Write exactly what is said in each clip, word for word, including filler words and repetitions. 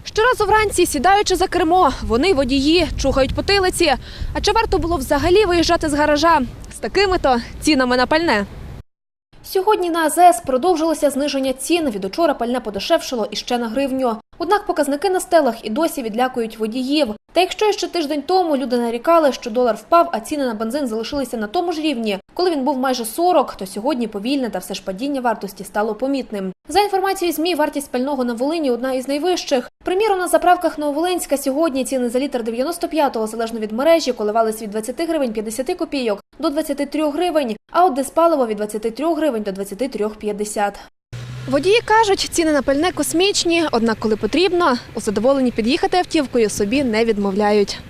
Щоразу вранці, сідаючи за кермо, вони, водії, чухають потилиці. А чи варто було взагалі виїжджати з гаража з такими-то цінами на пальне? Сьогодні на АЗС продовжилося зниження цін. Від учора пальне подешевшало іще на гривню. Однак показники на стелах і досі відлякують водіїв. Та якщо ще тиждень тому люди нарікали, що долар впав, а ціни на бензин залишилися на тому ж рівні, коли він був майже сорок, то сьогодні повільне та все ж падіння вартості стало помітним. За інформацією ЗМІ, вартість пального на Волині – одна із найвищих. Приміром, на заправках Нововолинська сьогодні ціни за літр дев'яносто п'ятого, залежно від мережі, коливались від двадцяти гривень п'ятдесят копійок до двадцяти трьох гривень, а от диспаливо – від двадцяти трьох гривень до двадцяти трьох п'ятдесят. Водії кажуть, ціни на пальне космічні, однак коли потрібно, у задоволенні під'їхати автівкою собі не відмовляють.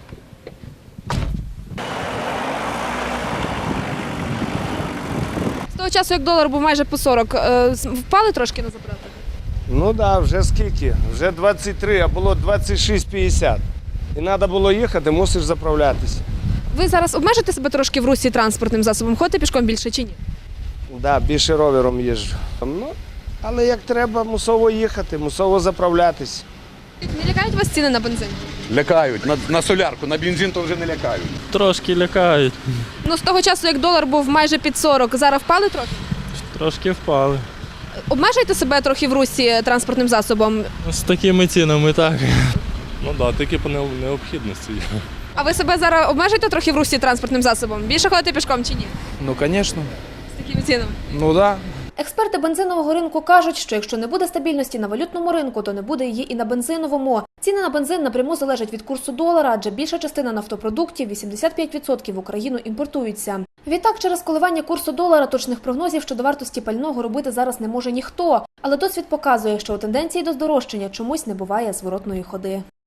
З того часу, як долар був майже по сорок, впали трошки на заправках? Ну так, да, вже скільки? Вже двадцять три, а було двадцять шість п'ятдесят. І треба було їхати, мусиш заправлятися. Ви зараз обмежите себе трошки в русі транспортним засобом? Ходите пішком більше чи ні? Так, да, більше ровером їжджу. Ну, але як треба, мусово їхати, мусово заправлятися. Не лякають вас ціни на бензин? Лякають. На, на солярку, на бензин то вже не лякають. Трошки лякають. Ну, з того часу, як долар був майже під сорок, зараз впали трохи? Трошки впали. Обмежуєте себе трохи в русі транспортним засобом? З такими цінами так. Ну так, да, тільки по необхідності. А ви себе зараз обмежуєте трохи в русі транспортним засобом? Більше ходите пішком чи ні? Ну, звісно. З такими цінами? Ну так. Да. Експерти бензинового ринку кажуть, що якщо не буде стабільності на валютному ринку, то не буде її і на бензиновому. Ціни на бензин напряму залежать від курсу долара, адже більша частина нафтопродуктів – вісімдесят п'ять відсотків в Україну імпортуються. Відтак, через коливання курсу долара точних прогнозів щодо вартості пального робити зараз не може ніхто. Але досвід показує, що у тенденції до здорожчання чомусь не буває зворотної ходи.